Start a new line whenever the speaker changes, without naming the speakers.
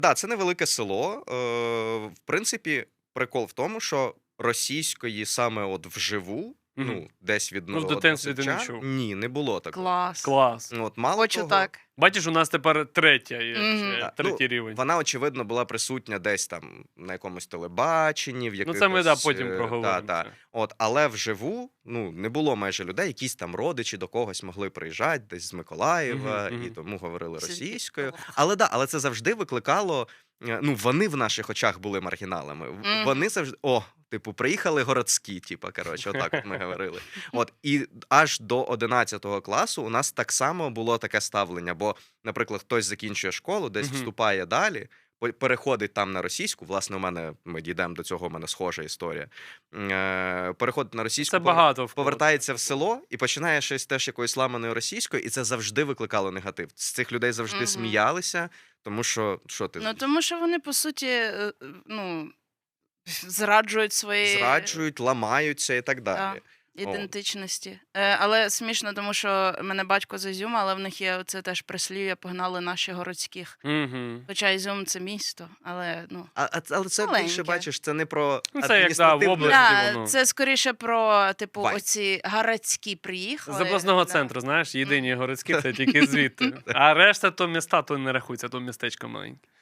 Да, це невелике село. В принципі, прикол в тому, що російської саме от вживу,
Мгм.
десь від
Ну, в
народного
дитинстві ти не
севча,
чув.
ні, не було такого.
Клас.
Клас.
От, мало
Хочу
того,
так.
Бачиш, у нас тепер третя є,
Мгм.
да,
третій рівень.
вона, очевидно, була присутня десь там на якомусь телебаченні, в
Ну,
якихось...
це ми потім
да,
проговоримо.
да.
це.
От, але вживу, не було майже людей, якісь там родичі до когось могли приїжджати, десь з Миколаєва,
Мгм,
і
мгм.
тому говорили
Це
російською.
цікаво.
Але це завжди викликало, вони в наших очах були маргіналами.
Мгм.
Вони завжди, типу, приїхали городські, типу, коротше, отак от ми говорили. От, і аж до 11 класу у нас так само було таке ставлення, бо, наприклад, хтось закінчує школу, десь
Мгм.
вступає далі, переходить там на російську. Власне, ми дійдемо до цього, у мене схожа історія. Переходить на російську,
Це багато в кого.
повертається в село і починає щось теж якоюсь ламаною російською, і це завжди викликало негатив. З цих людей завжди
Мгм.
сміялися, тому що ти
Ну, тому що вони, по суті, зраджують свої
зраджують, ламаються і так далі.
ідентичності. Але смішно, тому що мене батько з Ізюма, але в них є це теж прислів'я «погнали наші городських».
Мгм.
Хоча Ізюм – це місто, але,
Але це
маленьке.
більше, бачиш, це не про
Ну, це як, да, в
адміністративну...
області. воно.
це скоріше про, типу,
Вайб.
оці городські приїхали.
З обласного
да.
центру, знаєш, єдині городські, це тільки звідти. А решта то міста, то не рахується, то містечко маленьке.